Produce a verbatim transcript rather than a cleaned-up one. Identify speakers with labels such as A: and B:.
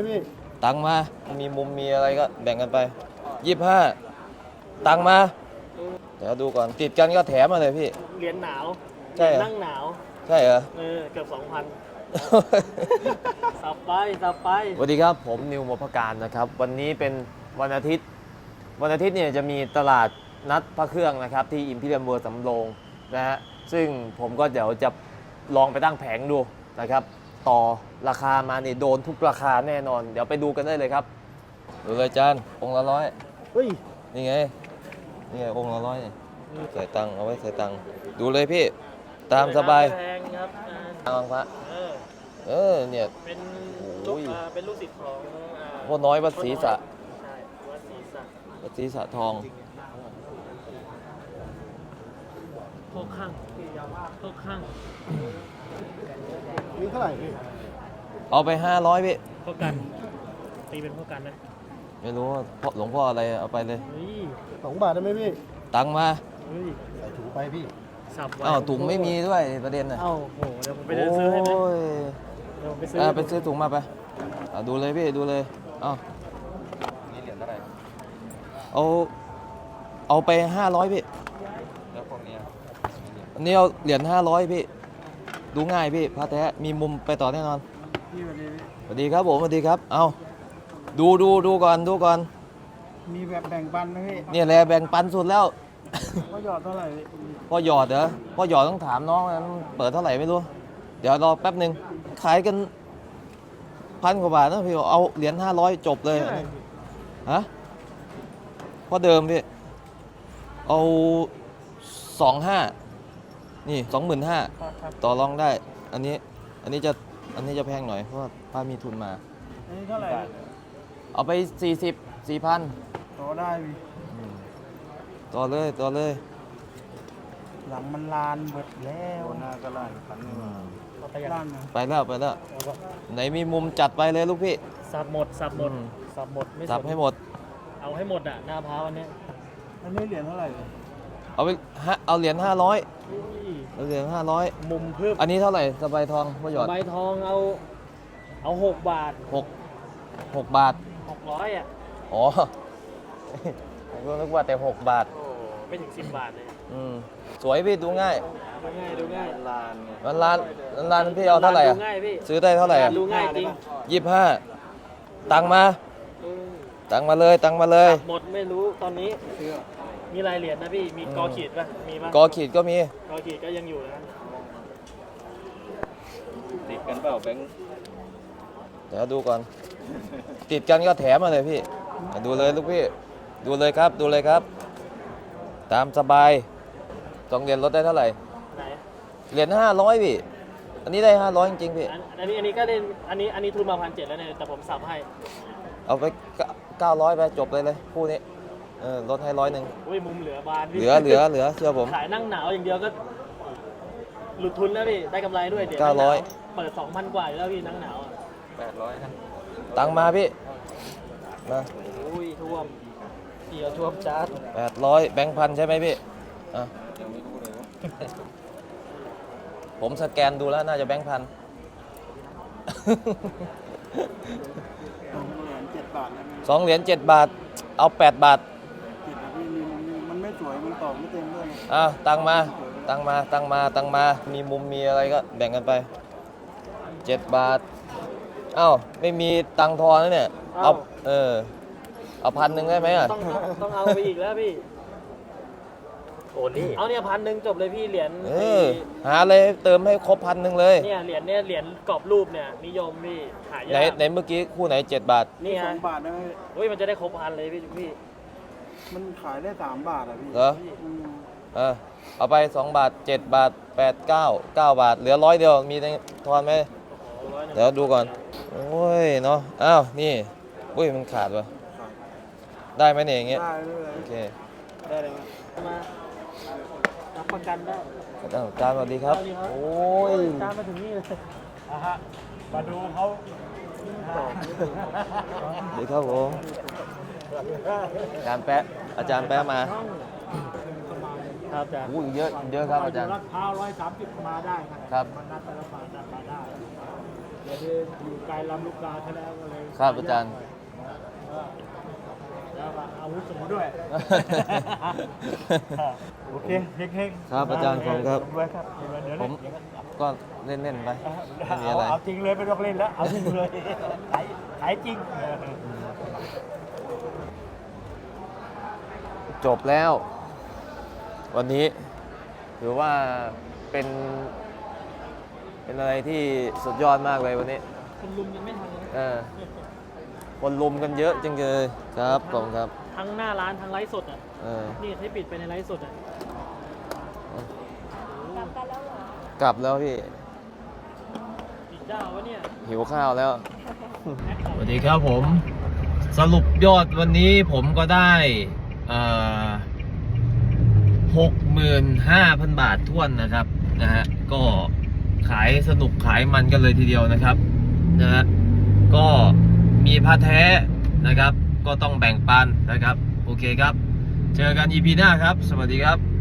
A: พี่
B: ตังมามีมุมมีอะไรก็แบ่งกันไปยี่สิบห้าตังมาเดี๋ยวดูก่อนติดกันก็แถมมาเลยพี่
A: เหรียญหนาว
B: ใช่
A: นั่งหนาว
B: ใช่เหรอ
A: เออเกือบสองพันสับไปสับไป
B: สวัสดีครับผมนิวมพการนะครับวันนี้เป็นวันอาทิตย์วันอาทิตย์เนี่ยจะมีตลาดนัดพระเครื่องนะครับที่อิมพีเรียมเวิลด์สำโรงนะฮะซึ่งผมก็เดี๋ยวจะลองไปตั้งแผงดูนะครับต่อราคามาเนี่ยโดนทุกราคาแน่นอนเดี๋ยวไปดูกันได้เลยครับดูเลยจานองค์ละร้อย
A: เฮ้ย
B: นี่ไงนี่ไงองค์ละร้อยใส่ตังเอาไว้ใส่ตังดูเลยพี่ตามสบาย
A: แพงครับ
B: ตามพระ
A: เออ
B: เออเนี่ย
A: เป็นลูกเป็นลูกศิษย์ของ
B: พ่อน้อยวัดศรีสะ
A: ใช่วัดศรีสะ
B: วัดศรีสะทอง
A: พวกข้างพวกข้าง
C: นี่เท่าไหร่พี่
B: เอาไปห้าร้อยพี่
A: พวกกันตีเป็นพวกกันนะ
B: ไม่รู้ว่าหลวงพ่ออะไรเอาไปเลย
C: สองบาทได้ไหมพี่
B: ตังมา
C: ใส่ถุงไปพี่
A: สับไว้
B: อ้าวถุงไม่มีด้วยประเด็นน่ะ
A: อ้าวโหเดี๋ยวผมไปเดินซื้อให้ไหมเดี๋ยวผมไปซื้อ
B: ไปซื้อถุงมาไปดูเลยพี่ดูเลยอ้าวนี่เหรียญเท่าไหร่เอาเอาไปห้าร้อยพี่แล้วพวกนี้อันนี้เอาเหรียญห้าร้อยพี่ดูง่ายพี่พระแท้มีมุมไปต่อแน่นอน
A: พี่สวัสดี
B: สวัสดีครับผมสวัสดีครับเอาดูดูดูก่อนดูก่อน
A: มีแบบแบ่งปันไหมพี่
B: เนี่ยแหละแบ่งปันสุดแล้ว
A: พ่อหยอดเท่าไหร่
B: พ่อหยอดเหรอพ่อหยอดต้องถามน้องนะเปิดเท่าไหร่ไม่รู้เดี๋ยวรอแป๊บหนึ่งขายกันพันกว่าบาทนะพี่เอาเหรียญห้าร้อยจบเลยฮะพ่อเดิมพี่เอาสองห้านี่สองหมื่นห้าต่อรองได้อันนี้อันนี้จะอันนี้จะแพงหน่อยเพราะว่าป้ามีทุนมา
A: อันนี้เท่าไหร่
B: เอาไปสี่สิบสี่พัน
A: ต่อได้พี่
B: ต่อเลยต่อเลย
A: หลังมันลานหมดแล้ว
C: หน้าก็ลานพัน
A: ลาน
B: ไปแล้วไปแล้วไหนมีมุมจัดไปเลยลูกพี่
A: สับหมดสับหมดสับหมดไม่
B: สับให้หมด
A: เอาให้หมดอ่ะหน้าพร้าวอันนี้อันนี้เหรียญเท่าไหร่
B: เอาไปเอาเหรียญห้าร้อยเอาเหรียญห้าร้อย
A: มุมเพิ่ม
B: อันนี้เท่าไหร่สบายทองพ่อหยอด
A: สบายทองเอาเอาหกบาท
B: หกหกบาท
A: หกร้อยอ่ะ
B: อ๋อผมก็นึกว่าแต่หกบาท
A: โอ้ไม่ถึงสิบบาทเลย
B: อืมสวยพี่ดูง่าย
A: ดูง่ายดูง่าย
C: ลาน
B: มันลานลานพี่เอาเท่าไหร่อ่ะซื้อได้เท่าไหร่อ่ะ
A: ดูง่ายจริง
B: ยี่สิบห้าตังมาตังมาเลยตังมาเลย
A: หมดไม่รู้ตอนนี้มีรายเหรียญนะพี่มีกอขีดป่ะมีป่ะ
B: กอขีดก็มี
A: กอขีดก็ยังอยู่นะ
C: ติดกันเปล่าแบงค์
B: เดี๋ยวดูก่อนติดกันก็แถมมาเลยพี่ดูเลยลูกพี่ดูเลยครับดูเลยครับตามสบายสองเหรียญลดได้เท่าไหร่เหรียญห้าร้อยพี่อันนี้ได้ห้าร้อยจริงๆพี่
A: อันนี้อันนี้ก็ได้อันนี้อันนี้ทุนมาพันเจ็ดแล้วเนี่ยแต่ผมสับให้
B: เอาไปเก้าร้อยไปจบเลยเลยคู่นี้เออลดให้ร้อยหนึ่ง
A: อุ้ยมุมเหลือบาน
B: เหลือเหลือเหลือเชื่อผม
A: ขายนั่งหนาวอย่างเดียวก็หลุดทุนแล้วพี่ได้กำไรด้วยเดี๋ยว
B: เก้าร้อย
A: เปิดสองพันกว่าแล้วพี่นั่งหนาว
C: แปดร้อยนะ
B: ตังมาพี่มา
A: อุ้ยท่วมเกี่ยวท่วมจัด
B: แปดร้อยแบงค์พันใช่ไหมพี่อ่ะผมสแกนดูแล้วน่าจะแบงค์พันสองเหรียญเจ็ดบาทเอาแปดบาท
C: มันไม่สวยมันตอบไม่เต็มด้วย
B: อ่ะตังมาตังมาตังมาตังมามีมุมมีอะไรก็แบ่งกันไปเจ็ดบาทอ้าวไม่มีตังทอนแล้วเนี่ยเอาเออเอาพันหนึ่งได้ไหมอ่ะ
A: ต้องต้องเอาไปอีกแล้วพี่โอ้นี่เอาเนี่ยพันหนึ่งจบเลยพี่เหรียญ
B: เออหาเลยเติมให้ครบพันหนึ่งเลย
A: เนี่ยเหรียญเนี่ยเหรียญกรอบรูปเนี่ยนิยมพี่หายาก
B: ไหนไหนเมื่อกี้คู่ไหนเจ็ดบาท
A: นี่ฮะ
C: สองบาทได้ไหม
A: เฮ้ยมันจะได้ครบพันเลยพี่พี่
C: มันขายได้สามบาทอ่ะพี่
B: เหรอเออเอาไปสองบาทเจ็ดบาทแปดเก้าเก้าบาทเหลือร้อยเดียวมีทอนไหมเดี๋ยวดูก่อนโอ้ยเนาะอ้าวนี่อุ้ยมันขาดวะได้ไหมเนี่ยอย่างเงี้ย
C: ได้เลย
B: โอเค
A: ได้เลยมารับประกันได้
B: จานสวัสดีครับโอ้ย
A: จานมาถึงนี่เลยอ่ะฮะมาดูเขา
B: ดีครับผมอาจารย์แป๊ะอาจารย์แป๊ะมา
A: ครับอาจารย์
B: อู้เยอะเยอะครับอาจารย์
A: รัดพร้าวร้อยสามสิบมาได้
B: ครับ
A: มันนัดแต่ละบาทนัดมาได้เหรียญ
C: คืออยู่ไกลลำลูกกาซะแล้วก็เลย
B: ครับอาจารย์
C: แล้วก็อาวุธสูงด้วย โอเคเฮงๆ
B: ครับอาจารย์ขอบคุณครับ
C: ด้วยครับเดี๋ยว
B: ผ
C: เล่
B: ม
C: นเดี๋ยวกัน
B: ก็เล่นๆไปไม่มี
C: เอา
B: อะไร
C: เอาจริงเลยไม่ต้องเล่นแล้วเอาจริงเลยขายขายจริง
B: จบแล้ว วันนี้ถือว่าเป็น เป็นอะไรที่สุดยอดมากเลยวันนี้
A: คุณลุงยังไม่ทันเลย
B: เออคนลุมกันเยอะจังเลยครับขอบคุณครับ
A: ทั้งหน้าร้านทั้งไลฟ์สดอ่ะ
B: เออ
A: นี่ให้ปิดไปในไลฟ์สดอ่ะ
D: กลับกันแล้วเหรอก
B: ลับแล้วพี่
A: ปิดเจ้าวะเนี่ย
B: หิวข้าวแล้ว สวัสดีครับผม สรุปยอดวันนี้ผมก็ได้หกหมื่นห้าพันบาทท้วนนะครับนะฮะก็ขายสนุกขายมันกันเลยทีเดียวนะครับนะฮะก็มีพระแท้นะครับ ก็ต้องแบ่งปันนะครับ โอเคครับ เจอกัน อี พี หน้าครับ สวัสดีครับ